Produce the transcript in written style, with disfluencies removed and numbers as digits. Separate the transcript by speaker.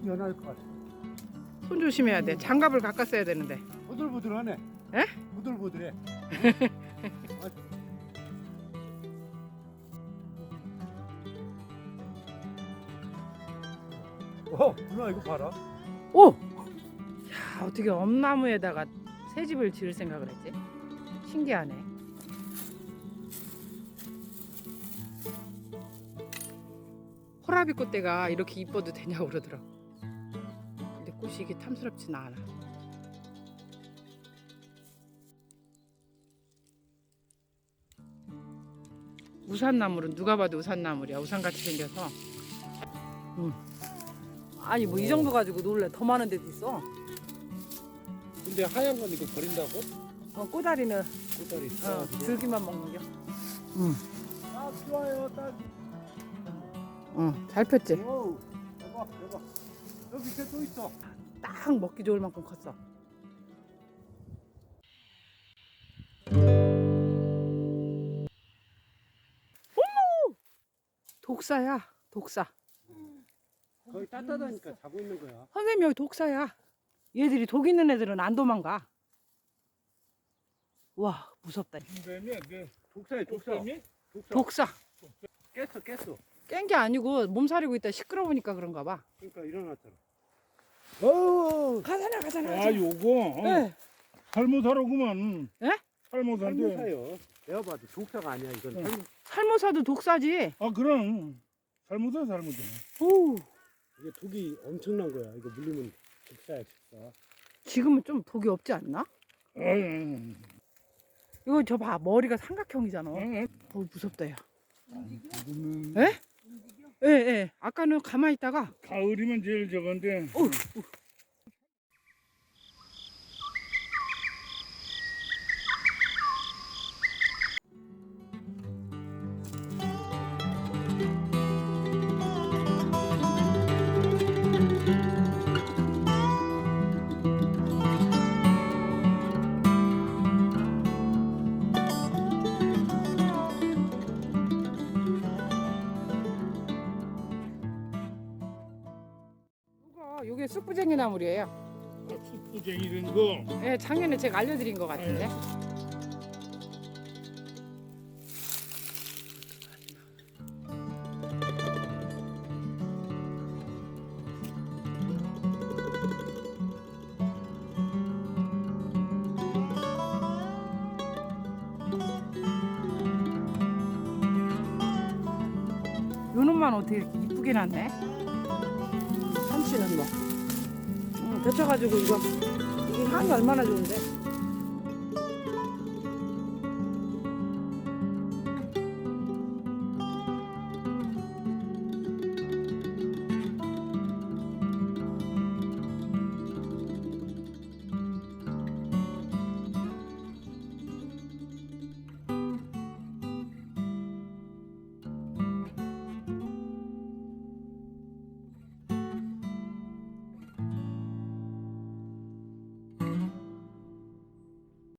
Speaker 1: 연할 것 같아.
Speaker 2: 손 조심해야 돼. 장갑을 갖다 써야 되는데.
Speaker 1: 보들보들하네.
Speaker 2: 에?
Speaker 1: 보들보들해. 누나 이거 봐라.
Speaker 2: 오! 야, 어떻게 엄나무에다가 새 집을 지을 생각을 했지? 신기하네. 호라비 꽃대가 이렇게 이뻐도 되냐고 그러더라고. 근데 꽃이 이게 탐스럽지는 않아. 우산나물은 누가 봐도 우산나물이야. 우산같이 생겨서.
Speaker 3: 아니 뭐 이 정도 가지고 놀래. 더 많은 데도 있어.
Speaker 1: 근데 하얀 건 이거 버린다고?
Speaker 3: 꼬다리는
Speaker 1: 꼬다리.
Speaker 3: 줄기만 먹는 겨.
Speaker 1: 아 좋아요. 딸.
Speaker 2: 잘 폈지?
Speaker 1: 오, 대박 대박. 여기 밑에 또 있어.
Speaker 2: 딱 먹기 좋을 만큼 컸어. 어머! 독사야, 독사.
Speaker 1: 거기 따뜻하니까 자고 있는 거야.
Speaker 2: 선생님 여기 독사야. 얘들이 독 있는 애들은 안 도망가. 와, 무섭다.
Speaker 1: 독사야 독사.
Speaker 2: 독사.
Speaker 1: 깼어.
Speaker 2: 깬 게 아니고 몸살이고 있다 시끄러우니까 그런가 봐.
Speaker 1: 그러니까 일어났잖아. 오.
Speaker 2: 가잖아.
Speaker 4: 아 요거
Speaker 2: 네.
Speaker 4: 살모사로구만.
Speaker 2: 예?
Speaker 4: 살모사인데.
Speaker 1: 살모사요. 내가 봐도 독사가 아니야 이건.
Speaker 4: 응.
Speaker 2: 살모사도 독사지.
Speaker 4: 아 그럼 살모사.
Speaker 2: 오,
Speaker 1: 이게 독이 엄청난 거야. 이거 물리면 독사야 독사.
Speaker 2: 지금은 좀 독이 없지 않나? 이거 저 봐, 머리가 삼각형이잖아. 무섭다 야. 에? 예. 아까는 가만히 있다가
Speaker 4: 가을이면 제일 저건데.
Speaker 2: 이게 쑥부쟁이 나물이에요.
Speaker 4: 숯부쟁이 된 거.
Speaker 2: 예, 작년에 제가 알려드린 것 같은데. 요 놈만 어떻게 이렇게 이쁘게 났네. 참치는 뭐 데쳐가지고 이게 향이 얼마나 좋은데.